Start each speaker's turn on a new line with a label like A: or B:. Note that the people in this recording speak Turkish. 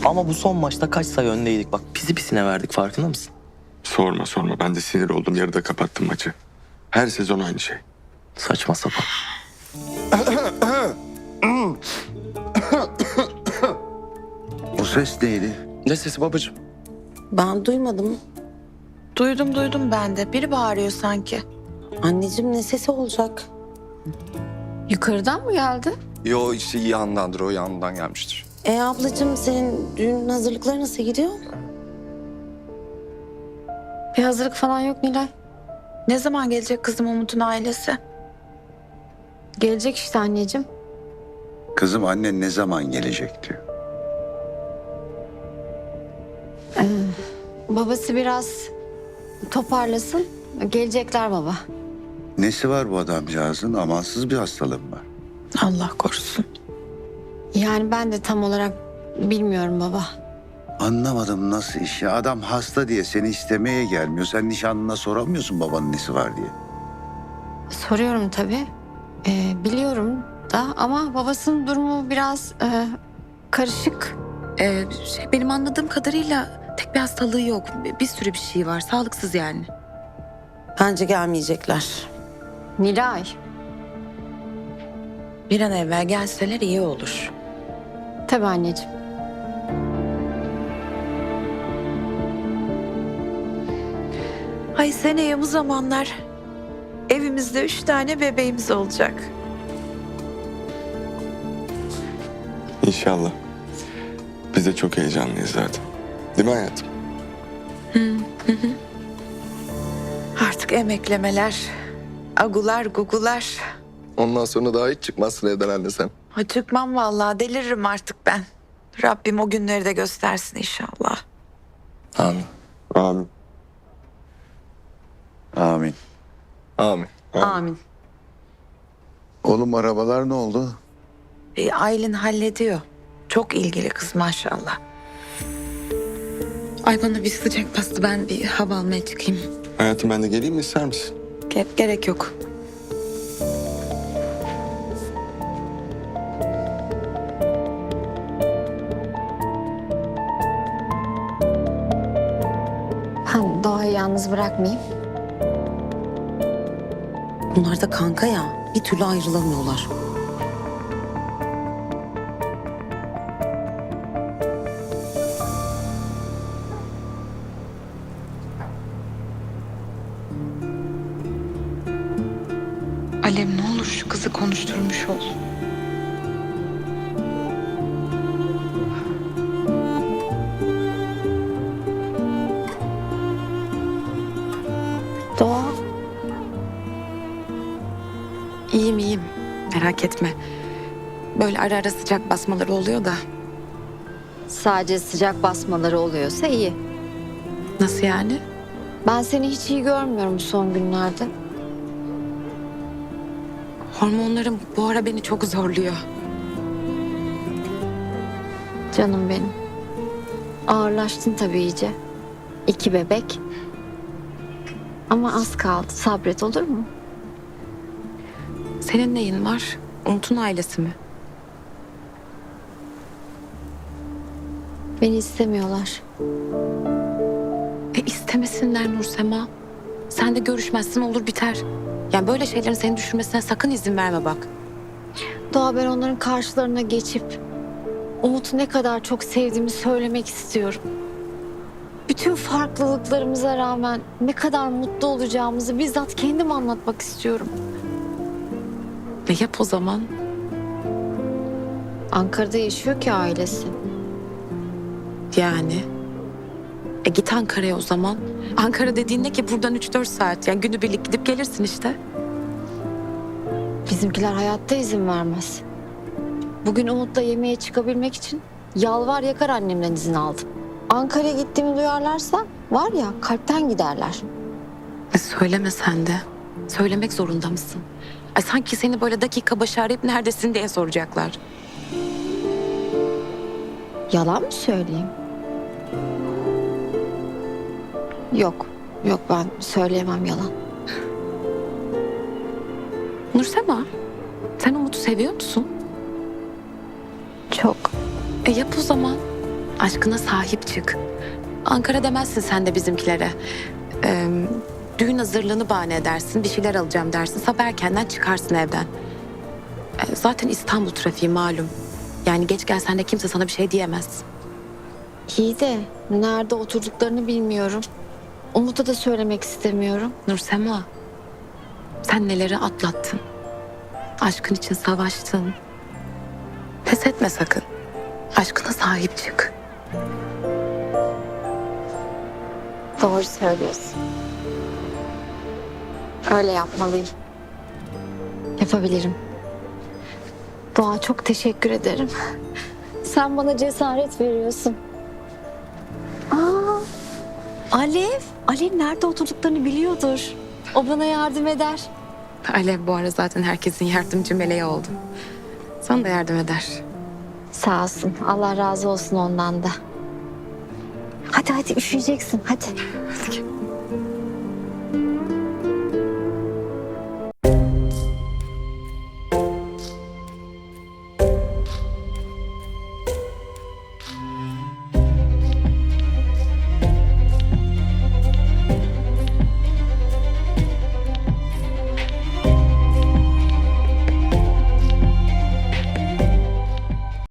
A: Ama bu son maçta kaç sayı öndeydik bak. Pisi pisine verdik, farkında mısın?
B: Sorma sorma. Ben de sinir oldum. Yarıda kapattım maçı. Her sezon aynı şey.
A: Saçma sapan.
C: O ses neydi?
A: Ne sesi babacığım?
D: Ben duymadım.
E: Duydum ben de. Biri bağırıyor sanki.
D: Anneciğim ne sesi olacak?
E: Yukarıdan mı geldi?
F: Yo işte yandandır, o yandan gelmiştir.
D: Ablacığım senin düğün hazırlıkları nasıl gidiyor?
E: Bir hazırlık falan yok Nilay. Ne zaman gelecek kızım Umut'un ailesi? Gelecek işte anneciğim.
C: Kızım annen ne zaman gelecek diyor.
G: Babası biraz toparlasın. Gelecekler baba.
C: Nesi var bu adamcağızın? Amansız bir hastalığı mı var?
E: Allah korusun.
G: Yani ben de tam olarak bilmiyorum baba.
C: Anlamadım nasıl iş ya. Adam hasta diye seni istemeye gelmiyor. Sen nişanlına soramıyorsun babanın nesi var diye.
G: Soruyorum tabii. Biliyorum da ama babasının durumu biraz karışık.
E: Benim anladığım kadarıyla tek bir hastalığı yok. Bir sürü bir şey var. Sağlıksız yani.
D: Bence gelmeyecekler.
G: Nilay.
E: Bir an evvel gelseler iyi olur.
G: Tabii anneciğim.
E: Ay seneye bu zamanlar evimizde 3 tane bebeğimiz olacak.
B: İnşallah. Biz de çok heyecanlıyız zaten. Değil mi hayatım?
E: Artık emeklemeler, agular, gugular.
F: Ondan sonra daha hiç çıkmazsın evden anne sen.
E: Ha, çıkmam vallahi, deliririm artık ben. Rabbim o günleri de göstersin inşallah.
A: Amin.
B: Amin.
C: Amin.
F: Amin.
G: Amin.
C: Oğlum arabalar ne oldu?
E: Aylin hallediyor. Çok ilgili kız maşallah. Ay bana bir sıcak bastı, ben bir hava almaya çıkayım.
B: Hayatım ben de geleyim mi, ister misin?
E: Gerek yok.
G: Ben Doğa'yı yalnız bırakmayayım.
D: Bunlar da kanka ya. Bir türlü ayrılamıyorlar.
E: Alev ne olur şu kızı konuşturmuş ol.
G: Doğa.
E: İyiyim. Merak etme. Böyle ara ara sıcak basmaları oluyor da.
G: Sadece sıcak basmaları oluyorsa iyi.
E: Nasıl yani?
G: Ben seni hiç iyi görmüyorum son günlerde.
E: Hormonlarım bu ara beni çok zorluyor.
G: Canım benim. Ağırlaştın tabii iyice. 2 bebek. Ama az kaldı. Sabret, olur mu?
E: Senin neyin var? Umut'un ailesi mi?
G: Beni istemiyorlar.
E: İstemesinler Nursema. Sen de görüşmezsin, olur biter. Yani böyle şeylerin seni düşürmesine sakın izin verme bak.
G: Doğa, ben onların karşılarına geçip Umut'u ne kadar çok sevdiğimi söylemek istiyorum. Bütün farklılıklarımıza rağmen ne kadar mutlu olacağımızı bizzat kendim anlatmak istiyorum.
E: Yap o zaman.
G: Ankara'da yaşıyor ki ailesi.
E: Yani. Git Ankara'ya o zaman. Ankara dediğin ne ki, buradan 3-4 saat. Yani günübirlik gidip gelirsin işte.
G: Bizimkiler hayatta izin vermez. Bugün Umut'la yemeğe çıkabilmek için yalvar yakar annemden izin aldım. Ankara'ya gittiğimi duyarlarsa var ya, kalpten giderler.
E: Söyleme sen de. Söylemek zorunda mısın? Ay sanki seni böyle dakika başı arayıp neredesin diye soracaklar.
G: Yalan mı söyleyeyim? Yok, ben söyleyemem yalan.
E: Nursema, sen Umut'u seviyor musun?
G: Çok.
E: Yap o zaman.
D: Aşkına sahip çık. Ankara demezsin sen de bizimkilere. Düğün hazırlığını bahane edersin. Bir şeyler alacağım dersin. Sabah erkenden çıkarsın evden. Zaten İstanbul trafiği malum. Yani geç gelsen de kimse sana bir şey diyemez.
G: İyi de nerede oturduklarını bilmiyorum. Umut'a da söylemek istemiyorum.
D: Nursema, sen neleri atlattın? Aşkın için savaştın. Pes etme sakın. Aşkına sahip çık.
G: Doğru söylüyorsun. Öyle yapmalıyım. Yapabilirim. Doğa, çok teşekkür ederim. Sen bana cesaret veriyorsun. Aa, Alev. Alev nerede oturduklarını biliyordur. O bana yardım eder.
D: Alev bu ara zaten herkesin yardımcı meleği oldu. Sana da yardım eder.
G: Sağ olsun. Allah razı olsun ondan da. Hadi üşüyeceksin. Hadi.
D: Hadi gel.